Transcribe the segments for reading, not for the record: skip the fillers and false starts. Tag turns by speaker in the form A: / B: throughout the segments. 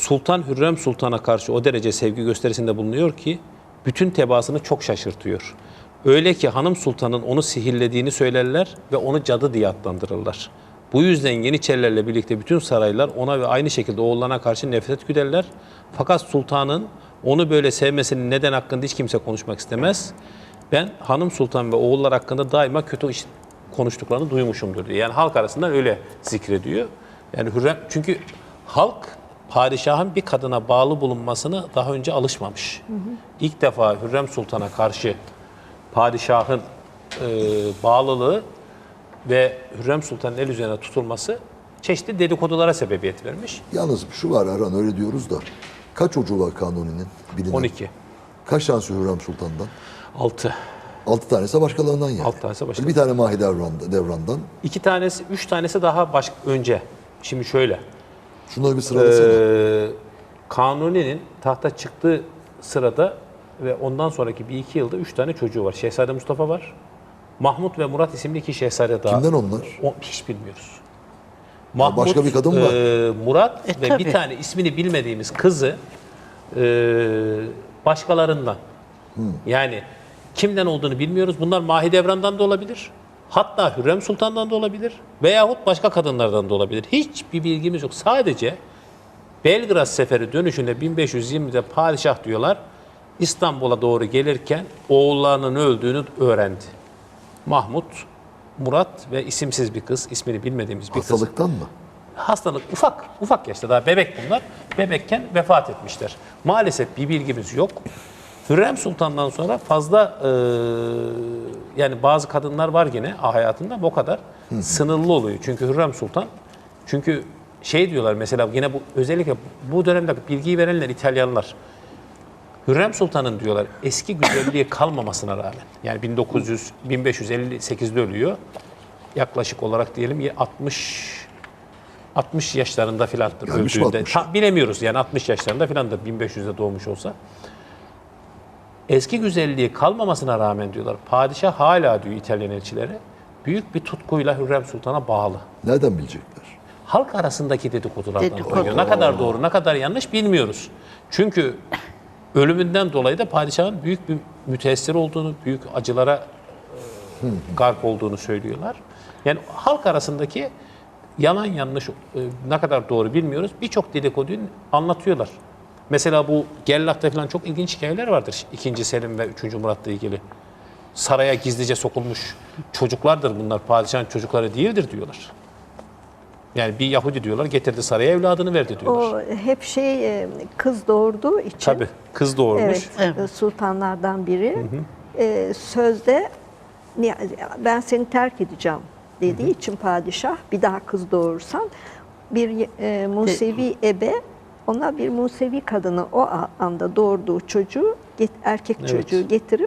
A: Sultan Hürrem Sultan'a karşı o derece sevgi gösterisinde bulunuyor ki bütün tebaasını çok şaşırtıyor. Öyle ki hanım sultanın onu sihirlediğini söylerler ve onu cadı diye adlandırırlar. Bu yüzden Yeniçerilerle birlikte bütün saraylar ona ve aynı şekilde oğullarına karşı nefret güderler. Fakat sultanın onu böyle sevmesinin neden hakkında hiç kimse konuşmak istemez. Ben hanım sultan ve oğullar hakkında daima kötü iş konuştuklarını duymuşumdur diyor. Yani halk arasında öyle zikrediyor. Yani Hürrem, çünkü halk padişahın bir kadına bağlı bulunmasını daha önce alışmamış. İlk defa Hürrem Sultan'a karşı padişahın bağlılığı ve Hürrem Sultan'ın el üzerine tutulması çeşitli dedikodulara sebebiyet vermiş.
B: Yalnız şu var Erhan, öyle diyoruz da kaç çocuğu var Kanuni'nin? Bilinen.
A: 12.
B: Kaç tanesi Hürrem Sultan'dan?
A: 6.
B: 6 tanesi başkalarından yani.
A: 6 tanesi başkalarından.
B: Bir tane Mahidevran'dan.
A: 2 tanesi, 3 tanesi daha önce. Şimdi şöyle.
B: Şunları bir sıralasana.
A: Kanuni'nin tahta çıktığı sırada ve ondan sonraki bir iki yılda 3 tane çocuğu var. Şehzade Mustafa var. Mahmut ve Murat isimli 2 şehzade daha.
B: Kimden onlar?
A: Hiç bilmiyoruz.
B: Başka bir kadın var.
A: Murat ve
C: tabii.
A: bir tane ismini bilmediğimiz kızı başkalarından. Yani kimden olduğunu bilmiyoruz. Bunlar Mahidevran'dan da olabilir. Hatta Hürrem Sultan'dan da olabilir. Veyahut başka kadınlardan da olabilir. Hiçbir bilgimiz yok. Sadece Belgrad Seferi dönüşünde 1520'de padişah diyorlar İstanbul'a doğru gelirken oğullarının öldüğünü öğrendi. Mahmut, Murat ve isimsiz bir kız, ismini bilmediğimiz bir kız.
B: Hastalıktan mı?
A: Hastalık ufak yaşta, daha bebek bunlar. Bebekken vefat etmişler. Maalesef bir bilgimiz yok. Hürrem Sultan'dan sonra fazla yani bazı kadınlar var yine hayatında ama o kadar sınırlı oluyor. Çünkü Hürrem Sultan, çünkü şey diyorlar mesela yine bu özellikle bu dönemde bilgiyi verenler İtalyanlar. Hürrem Sultan'ın diyorlar eski güzelliği kalmamasına rağmen yani 1558'de ölüyor. Yaklaşık olarak diyelim 60 yaşlarında filandır
B: Gelmiş mi
A: öldüğünde.
B: 60?
A: Bilemiyoruz yani 60 yaşlarında filandır 1500'de doğmuş olsa. Eski güzelliği kalmamasına rağmen diyorlar padişah hala diyor İtalyan elçileri büyük bir tutkuyla Hürrem Sultan'a bağlı.
B: Nereden bilecekler?
A: Halk arasındaki dedikodulardan
C: Dedikodu.
A: duyuyor. Ne kadar doğru, ne kadar yanlış bilmiyoruz. Çünkü ölümünden dolayı da padişahın büyük bir müteessir olduğunu, büyük acılara gark olduğunu söylüyorlar. Yani halk arasındaki yalan yanlış ne kadar doğru bilmiyoruz. Birçok dedikoduyu anlatıyorlar. Mesela bu Gerlach'ta falan çok ilginç hikayeler vardır. 2. Selim ve 3. Murat'la ilgili. Saraya gizlice sokulmuş çocuklardır bunlar. Padişahın çocukları değildir diyorlar. Yani bir Yahudi diyorlar getirdi saraya evladını verdi diyorlar.
D: O hep kız doğurduğu için.
A: Tabii kız doğurmuş.
D: Evet,
C: Evet.
D: sultanlardan biri sözde ben seni terk edeceğim dediği için padişah bir daha kız doğurursan bir Musevi ebe ona bir Musevi kadını o anda doğurduğu çocuğu erkek çocuğu getirip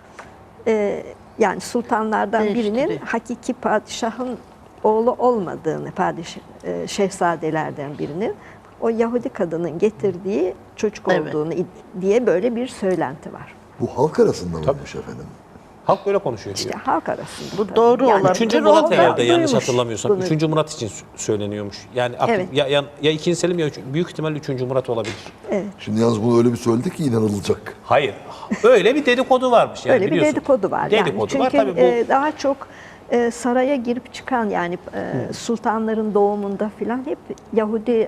D: yani sultanlardan birinin
C: Değiştiriyor.
D: hakiki padişahın oğlu olmadığını şehzadelerden birinin o Yahudi kadının getirdiği çocuk
C: Evet.
D: olduğunu diye böyle bir söylenti var.
B: Bu halk arasında mıymış efendim?
A: Halk böyle konuşuyor diyor.
D: İşte halk arasında.
C: Bu
D: tabii.
C: doğru
D: Yani
C: olabilir.
A: 3. Murat
D: o da
A: herhalde yanlış
D: duymuş
A: hatırlamıyorsam.
D: bunu.
A: 3. Murat için söyleniyormuş. Yani
D: Evet.
A: ya 2. Selim ya büyük ihtimalle 3. Murat olabilir.
B: Şimdi yalnız bunu öyle bir söyledi ki inanılacak.
A: Hayır. Öyle bir dedikodu varmış. Yani
D: Öyle bir
A: biliyorsun.
D: dedikodu var.
A: Dedikodu
D: yani.
A: var.
D: Çünkü
A: Tabii bu
D: daha çok saraya girip çıkan yani sultanların doğumunda filan hep Yahudi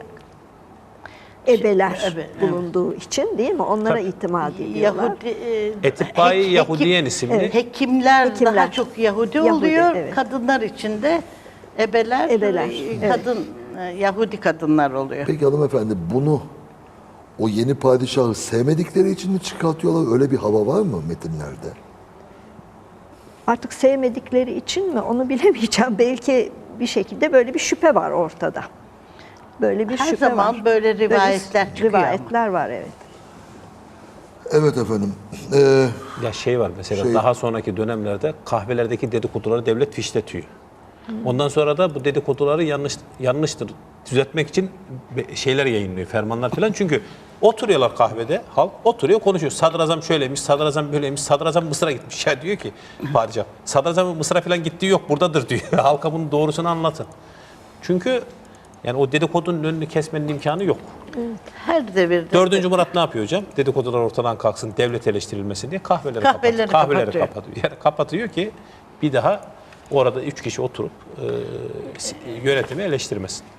D: ebeler
C: evet.
D: bulunduğu için değil mi? Onlara itimat ediyorlar.
C: Yahudi,
A: Etibai Yahudiyen isimli.
C: Hekimler daha
D: Hekimler.
C: çok Yahudi
D: Yahudi,
C: oluyor.
D: evet.
C: Kadınlar için de ebeler,
D: Ebeler,
C: kadın Yahudi kadınlar oluyor.
B: Peki hanımefendi bunu o yeni padişahı sevmedikleri için mi çıkartıyorlar? Öyle bir hava var mı metinlerde?
D: Artık sevmedikleri için mi onu bilemeyeceğim. Belki bir şekilde böyle bir şüphe var ortada. Böyle bir
C: Her
D: şüphe
C: zaman
D: var.
C: böyle rivayetler çıkıyor ama.
D: Rivayetler var evet.
B: Evet efendim.
A: ya şey var mesela daha sonraki dönemlerde kahvelerdeki dedikoduları devlet fişletiyor. Ondan sonra da bu dedikoduları yanlıştır düzeltmek için şeyler yayınlıyor, fermanlar falan. Çünkü oturuyorlar kahvede, halk oturuyor konuşuyor. Sadrazam şöyleymiş, sadrazam böyleymiş, sadrazam Mısır'a gitmiş. Ya diyor ki padişah, sadrazamın Mısır'a falan gittiği yok buradadır diyor. Halka bunun doğrusunu anlatın. Çünkü Yani o dedikodunun önünü kesmenin imkanı yok.
C: Her devirde.
A: 4. Murat ne yapıyor hocam? Dedikodular ortadan kalksın, devlet eleştirilmesin diye kahveleri kapatıyor. Kahveleri kapatıyor. Yani kapatıyor ki bir daha orada 3 kişi oturup yönetimi eleştirmesin.